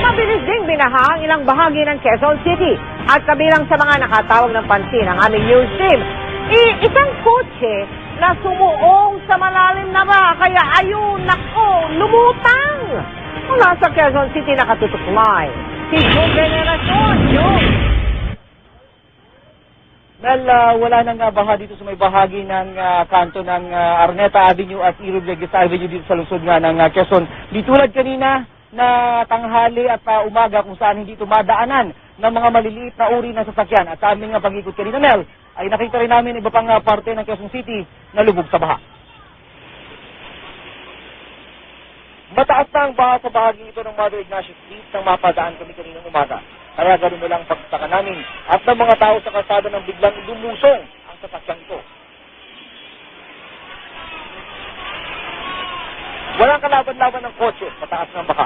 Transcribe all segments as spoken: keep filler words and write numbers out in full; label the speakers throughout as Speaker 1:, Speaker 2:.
Speaker 1: Mabilis ding binaha ang ilang bahagi ng Quezon City at kabilang sa mga nakatawag ng pansin ang aming news team. I isang kotse na sumuong sa malalim na ba, kaya ayun, nako, lumutang! Mula sa Quezon City nakatutuklay. Si June Veneracion, June!
Speaker 2: Well, uh, wala nang uh, baha dito sa may bahagi ng uh, kanto ng uh, Araneta Avenue at E. Rodriguez Avenue dito sa lungsod nga ng uh, Quezon. Di tulad kanina na tanghali at uh, umaga kung saan hindi tumadaanan ng mga maliliit na uri ng sasakyan. At sa aming uh, pag-ikot kanina, Mel, ay nakita rin namin iba pang uh, parte ng Quezon City na lubog sa baha. Mataas na ang baha sa bahagi ito ng Mother Ignacio Street nang mapadaan kami kaninang umaga. Kaya gano'n mo lang pagsaka namin at ng mga tao sa kalsada nang biglang lumusong ang sasakyan ito. Walang kalaban-laban ng kotse, mataas ng baka.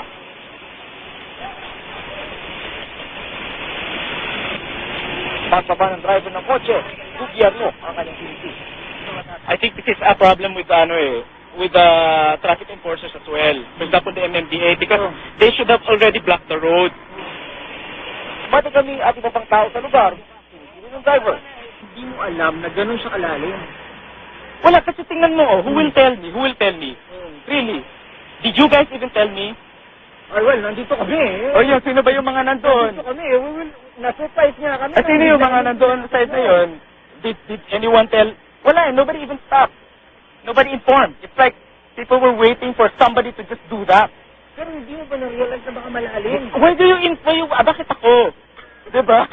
Speaker 2: Pagbaba ng driver ng kotse, gobyerno ang kanyang pinitis.
Speaker 3: I think this is a problem with ano eh, with the traffic enforcers as well. For example, the M M D A, because they should have already blocked the road.
Speaker 2: Mati kami at iba pang tao sa lugar, sino ng driver?
Speaker 3: Hindi mo alam na ganun siya kalalim. Wala, kasi tingnan mo, oh, who will tell me? Who will tell me? Really? Did you guys even tell me?
Speaker 2: Ay, well, nandito kami eh.
Speaker 3: O yun, sino ba yung mga nandoon?
Speaker 2: Nandito kami eh. We will, na-surprise nga kami.
Speaker 3: At sino yung mga nandoon sa side na yun? Did, did anyone tell? Wala, nobody even stopped. Nobody informed. It's like people were waiting for somebody to just do that.
Speaker 2: Pero hindi mo ba na-realize na baka malalim?
Speaker 3: Why do you inform? You, ah, bakit ako? Diba?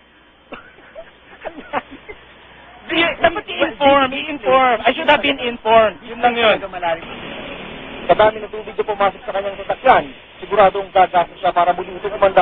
Speaker 3: Di, dapat i-inform, i-inform. I should have been informed. Yun lang yun.
Speaker 2: Sa dami ng tubig na pumasok sa kanyang sasakyan, siguradong gagasa siya para muli itong umanda.